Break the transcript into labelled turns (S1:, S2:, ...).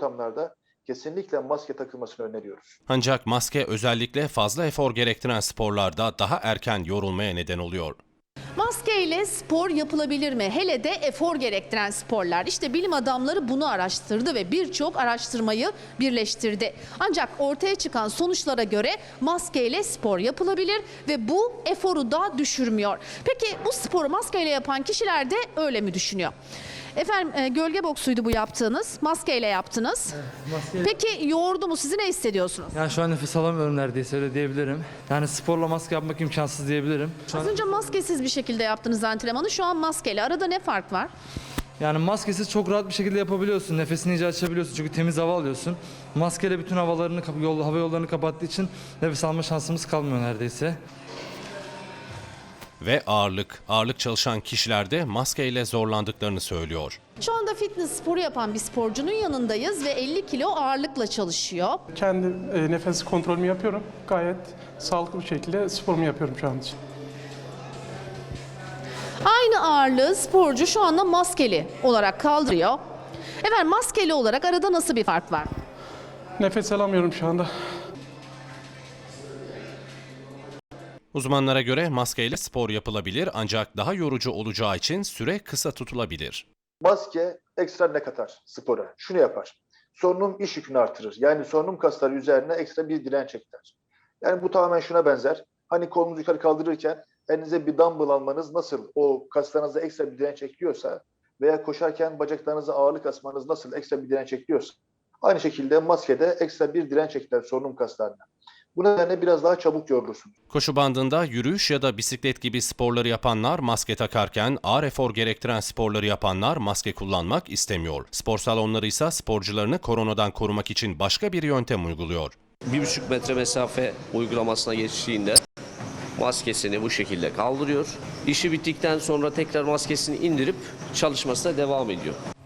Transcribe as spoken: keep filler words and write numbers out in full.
S1: ortamlarda kesinlikle maske takılmasını öneriyoruz.
S2: Ancak maske özellikle fazla efor gerektiren sporlarda daha erken yorulmaya neden oluyor.
S3: Maske ile spor yapılabilir mi? Hele de efor gerektiren sporlar. İşte bilim adamları bunu araştırdı ve birçok araştırmayı birleştirdi. Ancak ortaya çıkan sonuçlara göre maske ile spor yapılabilir ve bu eforu da düşürmüyor. Peki bu sporu maskeyle yapan kişiler de öyle mi düşünüyor? Efendim e, gölge boksuydu bu yaptığınız. Maskeyle yaptınız.
S4: Evet, maske...
S3: Peki yordu mu sizi, ne hissediyorsunuz?
S4: Yani şu an nefes alamıyorum neredeyse, öyle diyebilirim. Yani sporla maske yapmak imkansız diyebilirim. Şu
S3: Az
S4: an...
S3: önce maskesiz bir şekilde yaptınız antrenmanı. Şu an maskeyle. Arada ne fark var?
S4: Yani maskesiz çok rahat bir şekilde yapabiliyorsun. Nefesini iyice açabiliyorsun çünkü temiz hava alıyorsun. Maskeyle bütün havalarını, yol, hava yollarını kapattığı için nefes alma şansımız kalmıyor neredeyse.
S2: Ve ağırlık, ağırlık çalışan kişiler de maskeyle zorlandıklarını söylüyor.
S3: Şu anda fitness sporu yapan bir sporcunun yanındayız ve elli kilo ağırlıkla çalışıyor.
S5: Kendi e, nefes kontrolümü yapıyorum. Gayet sağlıklı bir şekilde sporumu yapıyorum şu an için.
S3: Aynı ağırlığı sporcu şu anda maskeli olarak kaldırıyor. Efendim maskeli olarak arada nasıl bir fark var?
S5: Nefes alamıyorum şu anda.
S2: Uzmanlara göre maskeyle spor yapılabilir ancak daha yorucu olacağı için süre kısa tutulabilir.
S1: Maske ekstra ne katar spora? Şunu yapar. Solunum iş yükünü artırır. Yani solunum kasları üzerine ekstra bir direnç ekler. Yani bu tamamen şuna benzer. Hani kolunuzu yukarı kaldırırken elinize bir dumbbell almanız nasıl o kaslarınıza ekstra bir direnç ekliyorsa veya koşarken bacaklarınıza ağırlık asmanız nasıl ekstra bir direnç ekliyorsa aynı şekilde maskede ekstra bir direnç ekler solunum kaslarına. Bu nedenle biraz daha çabuk yorulursunuz.
S2: Koşu bandında yürüyüş ya da bisiklet gibi sporları yapanlar maske takarken ağır efor gerektiren sporları yapanlar maske kullanmak istemiyor. Spor salonları ise sporcularını koronadan korumak için başka bir yöntem uyguluyor.
S6: Bir buçuk metre mesafe uygulamasına geçtiğinde maskesini bu şekilde kaldırıyor. İşi bittikten sonra tekrar maskesini indirip çalışmasına devam ediyor.